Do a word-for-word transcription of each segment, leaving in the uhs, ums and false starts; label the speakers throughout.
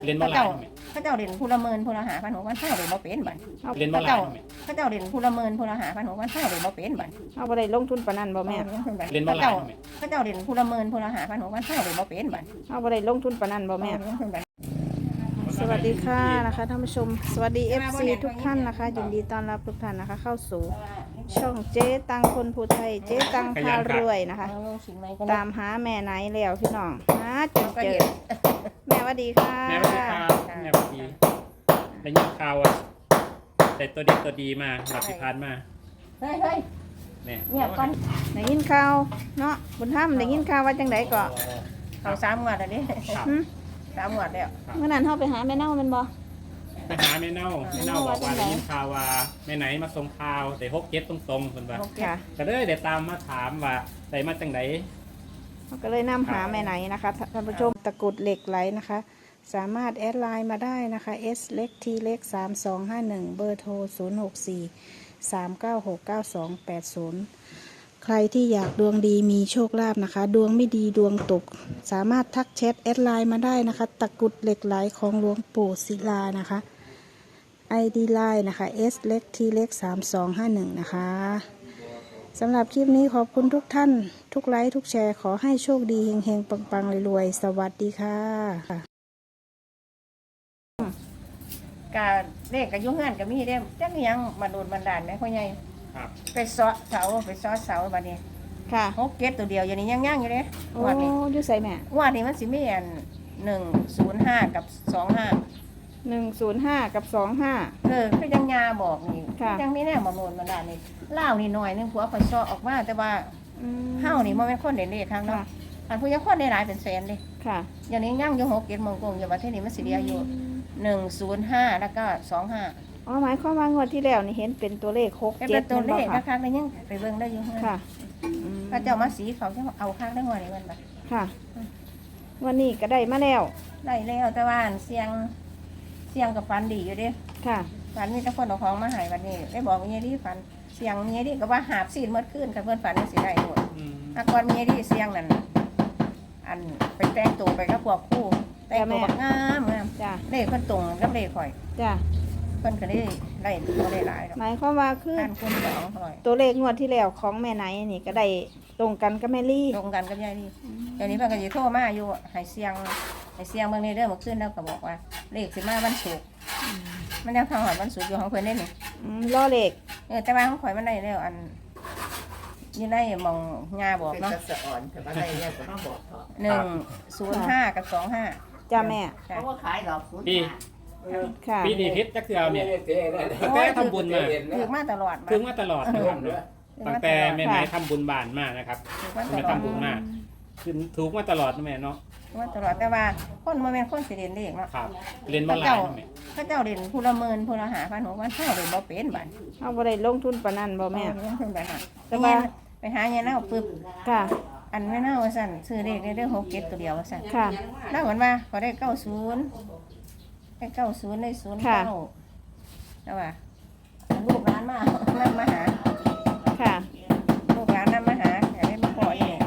Speaker 1: เรียนบ่หลาย
Speaker 2: เขาเจ้าเด่นผู้ละเมินผู้ละหาพันหกพันเท่าเด่นบ่เป็นบัด
Speaker 1: เรียนบ่หลาย
Speaker 2: เขาเจ้าเด่นผู้ละเมินผู้ละหาพันหกพันเท่าเด่นบ่เป็นบัด
Speaker 3: เอาบ่ได้ลงทุนปานนั้นบ่แม่
Speaker 1: เรียนบ่หลาย
Speaker 2: เขาเจ้าเด่นผู้ละเมินผู้ละหาพันหกพันเท่าเด่นบ่เป็นบัด
Speaker 3: เอาบ่ได้ลงทุนปานนั้นบ่แม่ สวัสดีค่ะนะคะท่านผู้ชมสวัสดี เอฟ ซี ทุกท่านนะคะยินดีต้อนรับทุกท่านนะคะ เข้าสู่ช่องเจ๊ตังคนผู้ไทยเจ๊ตังพารวยนะคะ ตามหาแม่ไหนแล้วพี่น้องหาจนเจอแม่สวัสดีค่ะ
Speaker 1: แม่สวัสดีครับแม่สวัสดีได้ยินข่าวว่าแต่ตัวดีตัวดีมาหลับสิพานมา
Speaker 2: เฮ้ยเฮ้ย
Speaker 1: แม่
Speaker 2: เงียบก่อน
Speaker 3: ได้ยินข่าวเนาะบุญธรรมได้ยินข่าวว่าจังไดก็
Speaker 2: เขาสามงวดแล้วนี่
Speaker 1: ครับ
Speaker 3: หึ
Speaker 2: สามงวดแล้ว
Speaker 3: เมื่อนั้นเฮาไปหาแม่เน่าแมันบ่
Speaker 1: ไปหาแม่เน่าแม่เน่าบอกว่าได้ยินข่าวว่าแม่ไหนมาส่งข่าวแต่หกเจ็ดตรงๆคนว่า
Speaker 3: ค่ะ
Speaker 1: ก็เลยเดี๋ยวตามมาถามว่าได้มาจังไหน
Speaker 3: เราก็เลยนำหาแม่ไหนนะคะท่านผู้ชมตะกรุดเหล็กไหลนะคะ สามารถแอดไลน์มาได้นะคะ S เล็ก T เล็กสามสองห้าหนึ่งเบอร์โทรศูนย์หกสี่สามเก้าหกเก้าสองแปดศูนย์ใครที่อยากดวงดีมีโชคลาภนะคะ ดวงไม่ดีดวงตก สามารถทักแชทแอดไลน์มาได้นะคะตะกรุดเหล็กไหลของหลวงปู่ศิลานะคะ ไอ ดี ไลน์นะคะ S เล็ก T เล็กสามสองห้าหนึ่งนะคะสำหรับคลิปนี้ขอบคุณทุกท่านทุกไลค์ทุกแชร์ขอให้โชคดีเฮงๆปังๆรวยๆสวัสดีค่ะ
Speaker 2: กะเลขกะยุ่งงานกะมีเด้จักยังมาโดนบันดาลไหมพ่อใหญ่
Speaker 1: ครับ
Speaker 2: ไปเสาะเสาไปเสาะเสาบัดนี้
Speaker 3: ค่ะ
Speaker 2: หกเก็ดตัวเดียวอย่างนี้ยังย่างอยู่เลย
Speaker 3: โอ้
Speaker 2: งวดนี้
Speaker 3: อยู่ใส่แม่
Speaker 2: งวดนี้มันสิมีอันหนึ่งศูนย์ห้ากับสองห้า
Speaker 3: หนึ่งศูนย์ห้ากับสองห้า
Speaker 2: เออคือยังยาบอกนี่
Speaker 3: ค่ะ
Speaker 2: ยังไม่แน่มาโนนมาดานี่เล่าวนี่หน่อยนึงผัวคอยซอออกมาแต่ว่าเฮานี่มันเป็นคนเด่นเด่นทางเนาะ
Speaker 3: ค่ะ
Speaker 2: อันผู้ยังคนได้หลายเป็นแสนเลย
Speaker 3: ค่ะ
Speaker 2: อย่างนี้ย่างอยู่หกเก็ดโมงกงอยู่ประเทศนี้มันสิเดียวอยู่หนึ่งศูนย์ห้าแล้วก็สองห้า
Speaker 3: อ๋อหมายความว่างวดที่แล้วนี่เห็นเป็นตัวเลขหก
Speaker 2: เป็น
Speaker 3: เจ็ด
Speaker 2: ตัวเลข
Speaker 3: ค่ะ
Speaker 2: นะคะแล้วยังไปเบิ่งได้อยู่
Speaker 3: ค่ะอืม
Speaker 2: พระเจ้ามาสีเขาจะเอาข้างได้หัวนี่มันแบบ
Speaker 3: ค่ะ วันนี้ก็ได้มาแล้ว
Speaker 2: ได้แล้วแต่ว่าเสียงเสียงกับฟันดีอยู่เด้
Speaker 3: ค่ะ
Speaker 2: ฝันมีแต่คนเอาของมาใหายวันนี้ได้บอกมีไอ้ที่ฝันเสียงมีไอ้ที่ก็ว่าหาบซีนเมื่อคืนกับเพื่อนฝันนี่สิได้หมด
Speaker 1: อืม
Speaker 2: อากรมีไอ้ที่เสียงนั่นอันไปแต่งตัวไปกับพวกคู่แต่งตัวบักงามงาม
Speaker 3: จ้ะ
Speaker 2: เลขเพิ่นตรงกับเลขข่อย
Speaker 3: จ้ะ
Speaker 2: เพิ่นก็ได้ได้บ่ได้หลายหรอก
Speaker 3: หมายความว่าคือ
Speaker 2: ท่านคุณสองร้อย
Speaker 3: ตัวเลขงวดที่แล้วของแม่ไหนนี่ก็ได้ตรงกันกับแม่ลี่
Speaker 2: ตรงกันกับยายนี่เดี๋ยวนี้เพิ่นก็สิโทรมาอยู่ให้เสียงให้เสียงเบิ่งในเด้อเมื่อคืนแล้วก็บอกว่า เลขสิมาวันศุกร์มันยังทางหอดวันศุกร์อยู่ของเพิ่นได้นี่
Speaker 3: อืมล้อเลข
Speaker 2: เออแต่ว่าของข่อยมันได้แล้วอันอยู่ในหมองงาบอก
Speaker 4: เป็น
Speaker 2: เนาะ
Speaker 4: กระสอนแต่ว่าอะไรเนี่ยก็ต้องบอกเถอะ
Speaker 2: หนึ่งศูนย์ห้ากับสองห้า
Speaker 3: จ้าแม่
Speaker 4: เพราะว่าขายดอกคุณ
Speaker 1: พี่
Speaker 3: ค่ะ
Speaker 1: ปีนี้พิษจักเทื่อเนี่ยตั้งแต่ทำบุญมา
Speaker 2: ถือมาตลอด
Speaker 1: ถึงมาตลอดนะครับเนาะตั้งแต่แม่ไหนทำบุญบานมานะครับ
Speaker 2: ถือมาต
Speaker 1: แม่
Speaker 2: ลอด
Speaker 1: ทำบุญมาคือถูกมาตลอดนะแม่เนาะ
Speaker 2: ถือมาตลอดแต่ว่าคนมาเป็นคนสิเรียนเลขเนาะ
Speaker 1: ครับเรียนบ่
Speaker 2: พระ
Speaker 1: หลาย
Speaker 2: เจ้า
Speaker 1: นะแม่
Speaker 2: พระเจ้าเรียนผู้ละเมินผู้ละหาพันหกพันเท่าเรียนบ่เป็นบัด
Speaker 3: เอาบ่ได้ลงทุนปานนั้นบ่แม่
Speaker 2: เออเพิ่นไปหา
Speaker 3: แต่
Speaker 2: ไป
Speaker 3: ว่า
Speaker 2: หาไปหาเงี้ยเน่าปึ๊บ
Speaker 3: ค่ะ
Speaker 2: อันไม่เน่าว่าสั่นซื้อเลขได้เรื่องหกเก็ดตัวเดียวว่าสั่น
Speaker 3: ค่ะ
Speaker 2: น่าเหมือนว่าเขาได้เก้าศูนย์ได้เก้าศูนย์ได้ศูนย์
Speaker 3: ค่ะ
Speaker 2: เก้าแต่ว่าลูกร้านมา นั่งมาหา
Speaker 3: ค่ะ
Speaker 2: ลูกร้านนั่งมาหาอยากได้มาขออีก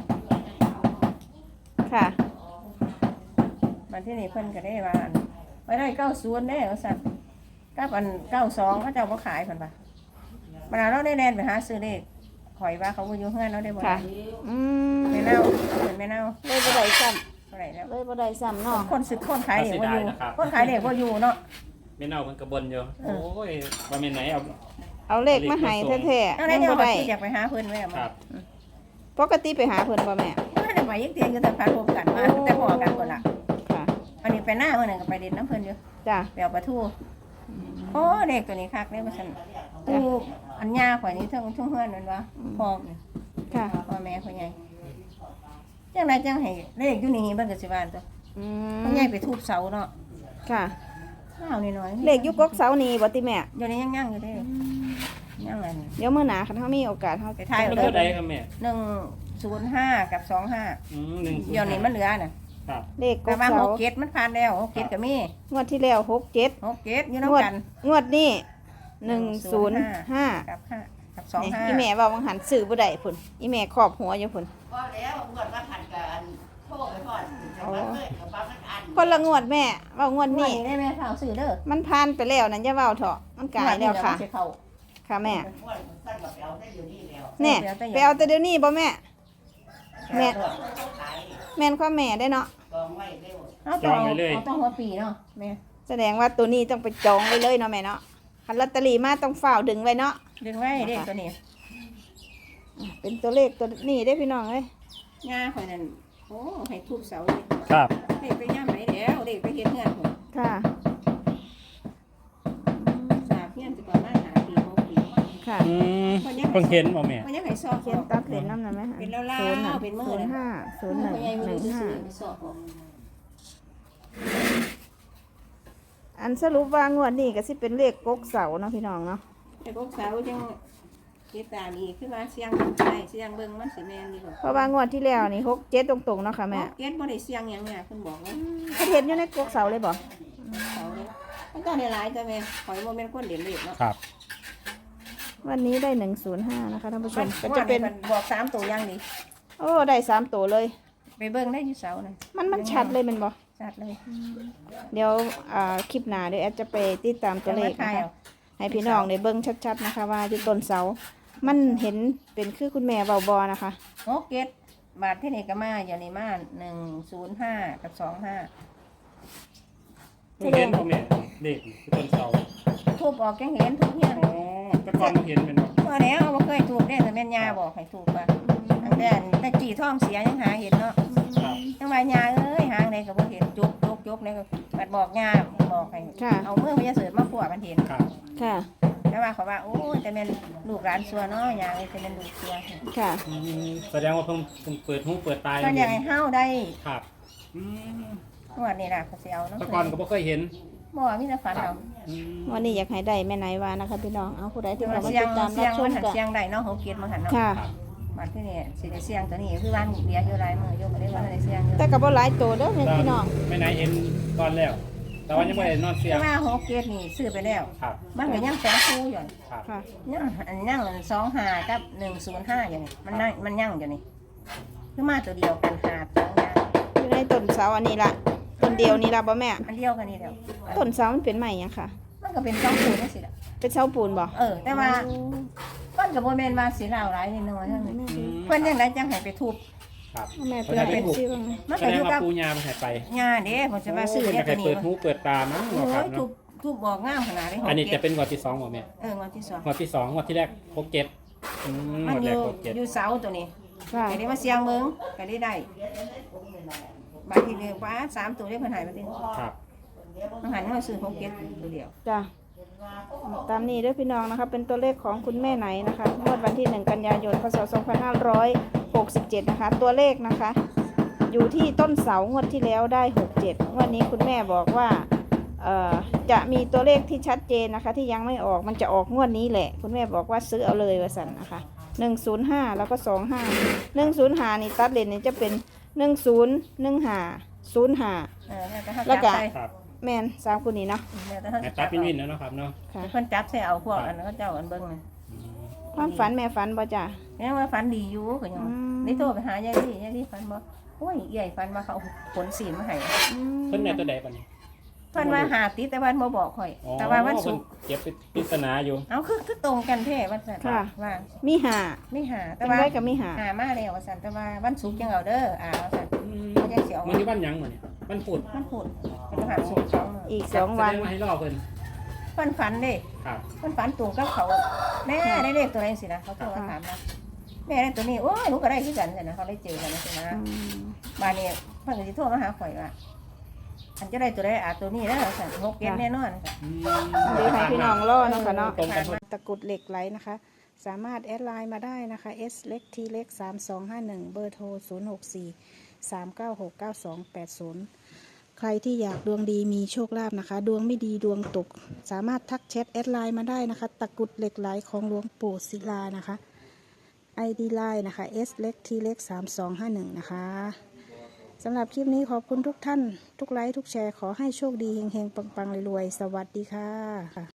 Speaker 3: ค่ะ
Speaker 2: มันที่นี่เพิ่นก็ได้ว่าอันไว้ได้เก้าศูนย์ได้ว่าสั่นเก้าอันเก้าสองเขาเจ้าก็ขายเพิ่นปะมันเอาเราได้แลนไปหาซื้อเลขข่อยว่าเขาบ่อยู่เฮือนเราได้บ่
Speaker 3: ค่ะ
Speaker 2: ได้
Speaker 3: อืม
Speaker 2: ไม่เน่าเพิ่นไม่เน่า
Speaker 3: เลยบ่ได้ซ้
Speaker 2: เท่าไหร่แล้ว
Speaker 3: ำเลยบ่ได้ซ้ำเนาะ
Speaker 2: คนซื้อคนขายเด็กบ่อยู่คนขายเด็กบ่อยู่เนาะ
Speaker 1: แม่เน่ามันกระบนอยู่โอ้ยว่าแม่ไหนเอา
Speaker 3: เอาเลขมาให้แท้ๆ
Speaker 2: อันนั้
Speaker 3: ยั
Speaker 2: น
Speaker 3: ง
Speaker 2: ยัง
Speaker 3: บ่
Speaker 2: บ่
Speaker 3: ได้
Speaker 2: อยากไปหาเพิ่นไว้อะ
Speaker 1: ค
Speaker 2: มา
Speaker 1: รับ
Speaker 3: ปกติไปหาเพิ่นบ่แม่
Speaker 2: ไม่ได้ไปยักเตียงอยู่แต่พันพบกันมาแต่พอกันคนละ
Speaker 3: ค่ะ
Speaker 2: อันนี้ไปหน้าเมื่อหนึ่งก็ไปเด่นน้ำเพิ่นอยู่
Speaker 3: จ้ะ
Speaker 2: ไปเอาปลาทูโอ้เด็กตัวนี้คักเลยมาสั่นกูอันยาข่อยนี้ทั้งทั้งเฮือนนั่นวะพ่อนี่
Speaker 3: ค่ะ
Speaker 2: พ่อแม่ข่อยใหญ่จังไรจังให้เลขอยู่นี่เบิ่งก็สิว่าตัว
Speaker 3: อื
Speaker 2: พ่อ
Speaker 3: ม
Speaker 2: ใหญ่ไปทุบเสาเนาะ
Speaker 3: ค่ะ
Speaker 2: ข้าวนิดหน่อย
Speaker 3: เลขอยู่กกเสานี่บ่ติแม่
Speaker 2: เดี๋ยวนี้ยังย่างอยู่เด้ยังอัน
Speaker 3: เดี๋ยวมื้อหน้าคันเฮามีโอกาสเฮา
Speaker 2: ไปถ่าย
Speaker 1: มัน
Speaker 2: เล
Speaker 1: เท่าย ใดครับแม่
Speaker 2: หนึ่งศูนย์ห้ากับสองห้า
Speaker 1: อืมหนึ่ง
Speaker 2: เดี๋ยวนี้มันเหลือน่ะ
Speaker 1: ครับ
Speaker 3: เลขก
Speaker 2: แต่
Speaker 3: ก
Speaker 2: ว่า
Speaker 3: เสา
Speaker 2: หกเกตมันผ่านแล้วหกเกตก็มี
Speaker 3: งวดที่แล้วหกเจ็ด
Speaker 2: หกเกตอยู่
Speaker 3: ง
Speaker 2: น้ำ
Speaker 3: วด
Speaker 2: กัน
Speaker 3: งวดนี้หนึ่งศูนย์ห้า
Speaker 2: กับห้ากับสอง
Speaker 3: นี่
Speaker 2: ห้า
Speaker 3: อีแม่ว่าวังหันซื้อบ่ได้พุ่นอีแม่ครอบหัวอยู่พุ่น
Speaker 4: ก็แล้วเมื่อวันหันกันโทษไปก่อนจะมาเมื่อกับป้ามันอัน
Speaker 3: คนละงวดแม่เว่างวด
Speaker 2: งวด
Speaker 3: นี้
Speaker 2: นี้ได้แม่ข่าวซื้อเด้อ
Speaker 3: มันผ่านไปแล้วนั่นอย่าเว้าเถอะมันกลายแล้วค่ะ
Speaker 2: งดนี้เดี๋ยมันสิเข้า
Speaker 3: ค่ะแม่
Speaker 4: ว่าสั้นกับเราได้อยู่นี่แล้ว
Speaker 3: แน่ไปเอาแต่เดี๋ยวนี้บ่แม่ แม่
Speaker 4: ขาย
Speaker 3: แม่นข้อแม่ได้เนาะ
Speaker 4: กองไว้เร็ว
Speaker 2: เอาต้องเอาต้องหัวปีเนาะแม่
Speaker 3: แสดงว่าตัวนี้ต้องไปจองไว้เลยเนาะแม่เนาะคันลอตเตอรี่มาต้องฝ้าวดึงไว้เนาะ
Speaker 2: ดึงไว้เด็กตัวนี้
Speaker 3: เป็นตัวเลขตัวนี้ได้พี่น้องเอ้ย
Speaker 2: งาข่อยนั่นโอ้ให้ทุบเสาเลย
Speaker 1: ครับ
Speaker 2: เด็กไปย่ำไหนแล้วเด็กไปเฮ็ดเฮือนผม
Speaker 3: ค่ะ
Speaker 2: สาบเฮือนสิประมาณห้าปีหกปี
Speaker 3: ค่ะ
Speaker 1: อืมเพิ่งเห็นบ่แม่
Speaker 2: มันยังให้ซอก
Speaker 3: เขียนตัดเลนน้ำหน่อยไหม
Speaker 2: เป็นเล่า
Speaker 3: ศูนย์
Speaker 2: ๆเป็นมือ
Speaker 3: ศูน
Speaker 2: นะ
Speaker 3: ย์ห้าศูนย์หนึ่ง
Speaker 2: พ่อใหญ่บ่
Speaker 3: หนึ่
Speaker 2: รู้
Speaker 3: งห้า
Speaker 2: ซื่อๆไปซอกออก
Speaker 3: อันสรุปว่างวดนี้ก็สิเป็นเลขกกเสาเนาะพี่น้องเนาะ
Speaker 2: แต่พวกสาวจังติดตามอีกคือว่าเสียงได้เสียงเบิ่งมันสิแม่นดีกว่า
Speaker 3: เพราะว่างวดที่แล้วนี่หกเจ็ดตรงๆเนาะค่ะแม่
Speaker 2: เก็ตบ่ได้เสียงหยังเนี่ยเพิ่นบอกว่า
Speaker 3: เขาเห็นอยู่ในกกเสาเลยบ่
Speaker 2: เสาเลยมันก็ได้หลายแต่แม่ข่อยบ่แม่นคนเด่นเลขเนาะ
Speaker 1: ครับ
Speaker 3: วันนี้ได้หนึ่งศูนย์ห้านะคะท่านผู้ช
Speaker 2: มั
Speaker 3: ม
Speaker 2: น
Speaker 3: ก็
Speaker 2: จะ
Speaker 3: จะ
Speaker 2: เป็
Speaker 3: เป็น น
Speaker 2: บอกสามตัวอย่างดี
Speaker 3: โอ้ได้สามตัวเลย
Speaker 2: ไปเบิ่งได้อยู่เสานั่น
Speaker 3: มันมันชัดเลยแมันบ่
Speaker 2: ชัดเลย
Speaker 3: เดี๋ยวอ่าคลิปหน้าเดี๋ยวแอดจะไปติดตามตัวเลข
Speaker 2: จะมา
Speaker 3: นะ
Speaker 2: ถ่าย
Speaker 3: คะ
Speaker 2: เอา
Speaker 3: ให้พี่น้องได้เบิ่งชัดๆนะคะ ว่าอยู่ต้นเสา มันเห็นเป็นคือคุณแม่เบาบอนะคะ
Speaker 2: โอเก็ตบาทที่นี่ก็มาอย่างนี้มาหนึ่งศูนย์ห้ากับสองห้า
Speaker 1: เพิ่งเห็นบ่แม่เลขคือต้นเสา
Speaker 2: ทุบออกจังเห็นทุกเฮียน
Speaker 1: อ๋อแต่ก่อนบ่เห็นแม่นบ่
Speaker 2: พอแล้วบ่เคยถูกได้แต่แม่นยาบอกให้ถูกว่าตั้งแต่แต่กี่ท้องเสียยังหาเห็นเนาะ
Speaker 1: ครับ
Speaker 2: จังว่ายาเอ้ยหางใดก็บ่เห็นจุกจุกจุกนี่ก็บัดบอกยาบอกให้
Speaker 3: ค่ะ
Speaker 2: เอามือพญาเสือมาขัวมันเห็น
Speaker 1: ครับ
Speaker 3: ค่ะ
Speaker 2: แต่ว่าเขาว่าโอ้ยแต่แม่นลูกหลานซัวเนาะยาเอ้ยแต่แม่นลูกซัว
Speaker 3: ค่ะ
Speaker 1: อืมแสดงว่าเพิ่งเพิ่งเปิดหูเปิดตา
Speaker 2: ก็อยากให้เฮาได้
Speaker 1: ครับอืม
Speaker 2: งวดนี้ล่ะเขาสิเอาเนาะ
Speaker 1: แต่ก่อนก็บ่เคยเห็น
Speaker 2: บ่มีแต่ฝันเอา
Speaker 1: อืม
Speaker 3: วันนี้อยากให้ได้แม่ไหนวานะคะพี่น้อง เอาผู้ใดที่
Speaker 2: แต่
Speaker 3: เขา
Speaker 2: ว่า
Speaker 3: มา
Speaker 2: เสีย
Speaker 3: ติ
Speaker 2: ง
Speaker 3: ดตาม
Speaker 2: เสี
Speaker 3: รั
Speaker 2: ย
Speaker 3: บ
Speaker 2: ง
Speaker 3: ช
Speaker 2: มั
Speaker 3: ม
Speaker 2: นหัน
Speaker 3: กัน
Speaker 2: เสียงได้เนาะเฮาเกียรมันหันเนาะ
Speaker 3: ค่ะ
Speaker 1: ครับ
Speaker 2: บัดที่นี่สิได้เสียงตัวนี้คือวันเดียวอยู่หลายมื้ออยู่บ่ได้ว่าได้เสียงอยู่
Speaker 3: แต่กับว่าหลายตัวเด้อแม่พี่น้อง
Speaker 1: ไม่ไหนเห็นก่อนแล้ว แต่ว่ายังไม่ได้นอนเสีย
Speaker 2: แต่
Speaker 1: ง
Speaker 2: ว่าโฮเกตนี่ซื้อไปแล้ว
Speaker 1: ครับ
Speaker 2: มันก็ยังสองคู่อยู่
Speaker 1: ครับ
Speaker 3: ค่ะ
Speaker 2: ยังอันยังสองห้ากับหนึ่งศูนย์ห้าอยู่นี่มันนั่งมันยังอยู่นี่คือมาตัวเดียวกันหาสองอย่าง
Speaker 3: อยู่ในต้นเสาอันนี้ละต้นเดียวนี่ละบ่แม่
Speaker 2: อันเดียวกันนี่เดียว
Speaker 3: ต้นเสามันเป็นใหม่ยังค่ะ
Speaker 2: มันก็เป็นสองคู่นี่สิล่ะ
Speaker 3: เป็นเสาปูนบ่
Speaker 2: เออ แต่ว่ามันก็บ่แม่นว่าสิลาวหลายนิดหน่อยเท่านั้น
Speaker 1: อืม
Speaker 2: เพิ่นยังไดจังให้ไปทุบ
Speaker 1: ครับ
Speaker 3: แม่เพิ่นเป็นชื่อว่าไง
Speaker 2: มัน
Speaker 1: แส
Speaker 2: ก็
Speaker 1: ด
Speaker 2: อง ยู่
Speaker 1: ว่า
Speaker 2: กับ
Speaker 1: ปูยามันหายไป
Speaker 2: ญาเด้ผมจะมาซื้อ
Speaker 1: โอ้
Speaker 2: เนี่ย
Speaker 1: เพิ่น
Speaker 2: ตัว
Speaker 1: จะให้
Speaker 2: นี้
Speaker 1: เปิดหูเปิดตามั้ง
Speaker 2: โอ้
Speaker 1: เนาะครับ
Speaker 2: ยทุ
Speaker 1: เนาะ
Speaker 2: บทุบบอกงามขนาดนี้
Speaker 1: อันนี้
Speaker 2: โฮ
Speaker 1: จะ
Speaker 2: เกต
Speaker 1: เป็นงวดที่สองบ่แม่
Speaker 2: เอองวดที่สอง
Speaker 1: งวดที่สองงวดที่แรกหกเจ็ดอืมง
Speaker 2: มัน
Speaker 1: วด
Speaker 2: อ
Speaker 1: แรก
Speaker 2: ยู่
Speaker 1: หกเจ็ด
Speaker 2: อยู่เสาตัวนี้
Speaker 3: ค่ะ
Speaker 2: ก็ได้มาเสียงเบิ่งก็ได้ได้บางทีเนี่ยว่าสามตัวได้เพิ่นใหายมาติ
Speaker 1: ครับ
Speaker 2: มันหันมาซื้อโฮเกตตัวเดียว
Speaker 3: จ้ะตามนี้เด้วยพี่น้องนะคะ เป็นตัวเลขของคุณแม่ไหนนะคะงวดวันที่หนึ่งกันยายนพศสองพันห้าร้อยหกสิบเจ็ดนะคะ ตัวเลขนะคะ อยู่ที่ต้นเสางวดที่แล้วได้หกเจ็ดงวดนี้คุณแม่บอกว่าเอ่อจะมีตัวเลขที่ชัดเจนนะคะ ที่ยังไม่ออกมันจะออกงวดนี้แหละ คุณแม่บอกว่าซื้อเอาเลยว่าสันนะคะหนึ่งศูนย์ห้าแล้วก็สองห้าหนึ่งศูนย์ห้านี่ตัดเลนนี่จะเป็นหนึ่งศูนย์หนึ่งห้าศูนย์ห้า
Speaker 2: เออแล้วแต่เขา
Speaker 3: แล้วก็
Speaker 2: จับใส่
Speaker 1: ครับ
Speaker 3: แมนสามคนนี้เนาะ
Speaker 2: แล้วแต่เขา
Speaker 1: ให้
Speaker 2: จั
Speaker 1: ตัด
Speaker 2: บ
Speaker 1: เป็นวินแล้วเนาะครับเนาะ
Speaker 3: ค่ะ
Speaker 2: เพิ่นจับใส่เอาพวกอันนั้นเขาเจ้าอันเบิ่งน่ะ
Speaker 1: อืม
Speaker 3: ความฝันแม่ฝันบ่จ้ะ
Speaker 2: แม่ว่าฝันดีอยู่ก็ยัง
Speaker 3: อืม
Speaker 2: นี่โทรไปหายายลี่ยายลี่ฝันบ่โอ้ยใหญ่ฝันว่าเขาเอาผลศีลมาให้
Speaker 3: อืม
Speaker 1: เพิ่นในตัวใดปะเนี่ย
Speaker 2: เพิ่นว่าหาติดแต่ว่าบ่บอกข่อย
Speaker 1: อ๋อ
Speaker 2: แต่ว่าวันศุกร์
Speaker 1: เพิ่นเก็บเป็นปริศนาอยู่
Speaker 2: เอาคือคือตรงกันแท้ว่าซั่น
Speaker 3: ค่ะ
Speaker 2: ว่า
Speaker 3: มีหา
Speaker 2: ไม่หาแต่
Speaker 3: เป็น
Speaker 2: ว่า
Speaker 3: ไว้กับมีหา
Speaker 2: หามาแล้วว่าซั่นแต่ว่าวันศุกร์จังเอาเด้ออ่าว่าซั่น
Speaker 1: อืม
Speaker 2: เขาจะเสียว
Speaker 1: มันอยู่บ้านหยังมื้อนี้บ้านปุด
Speaker 2: มันพูดเป็นหาศุกร์สองมื้อ
Speaker 3: อีกสองวัน
Speaker 1: แสดว่าให้รอเพิ่น
Speaker 2: เพิ่นฝันเด้
Speaker 1: ครับ
Speaker 2: เพิ่นฝันตรงกับเขาแม่ได้เลขตัวไหนสินะเขาโทรมาถามนะแม่ได้ตัวนี้โอ้ยหนูก็ได้คือกันสินะเขาได้เจอกันนะสินะ
Speaker 3: อืม
Speaker 2: บ้านนี้เพิ่นก็สิโทรมาหาข่อยว่าอันจะได้ตัวใดอ่ะตัวนี้แล้วสั่นหกเกตแน่นอน
Speaker 1: อืม
Speaker 3: เดี๋ยวให้พี่น้องรอเนาะค่ะเนาะ
Speaker 1: ตรงกันหมด
Speaker 3: ตะกรุดเหล็กไหลนะคะ สามารถแอดไลน์มาได้นะคะ S เล็ก T เล็กสามสองห้าหนึ่งเบอร์โทรศูนย์หกสี่สามเก้าหกเก้าสองแปดศูนย์ใครที่อยากดวงดีมีโชคลาภนะคะ ดวงไม่ดีดวงตก สามารถทักแชทแอดไลน์มาได้นะคะ ตะกรุดเหล็กไหลของหลวงปู่ศิลานะคะ ไอ ดี ไลน์นะคะ S เล็ก T เล็กสามสองห้าหนึ่งนะคะสำหรับคลิปนี้ขอบคุณทุกท่าน ทุกไลค์ทุกแชร์ขอให้โชคดีเฮงๆปังๆรวยๆสวัสดีค่ะ